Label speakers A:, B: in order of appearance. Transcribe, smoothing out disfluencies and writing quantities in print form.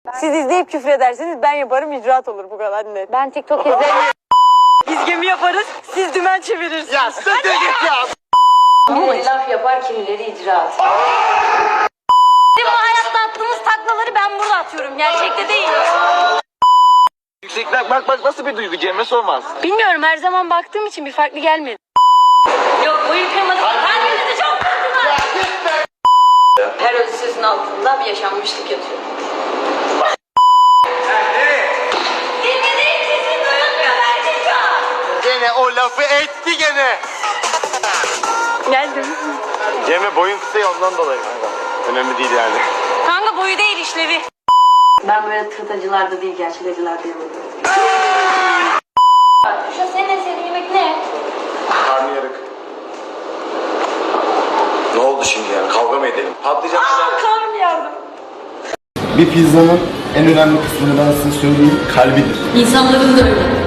A: Siz izleyip küfür edersiniz, ben yaparım, icraat olur, bu kadar net.
B: Ben TikTok izlemiyorum.
A: Biz gemi yaparız, siz dümen çevirirsiniz.
C: Ya sen de git ya.
B: Kimileri laf yapar, kimileri icraat. Bizim bu hayatta attığımız taklaları ben burada atıyorum, gerçekte değil.
C: Yüksekler bak nasıl bir duygu Cem'e sormaz.
B: Bilmiyorum, her zaman baktığım için bir farklı gelmedi. Yok, boyu kırmadı. Kalbinizi çok kırdılar. Her özü sözün altında bir yaşanmışlık yatıyor. Dinlediğin sesi duyulmuyor Erzincan.
C: Gene o lafı etti gene.
A: Geldim.
C: Cem'e boyun kısa ya ondan dolayı. Önemli değil yani.
B: Kanka boyu değil, işlevi. Ben böyle tırtacılarda değil, gerçek acılarda yemedim. Şu senin en sevdiğin yemek ne?
C: Karnıyarık. Ne oldu şimdi yani? Kavga mı edelim? Patlayacak.
B: Karnım yardım.
D: Bir pizzanın en önemli kısmını ben size söyleyeyim, kalbidir.
B: İnsanların da öyle.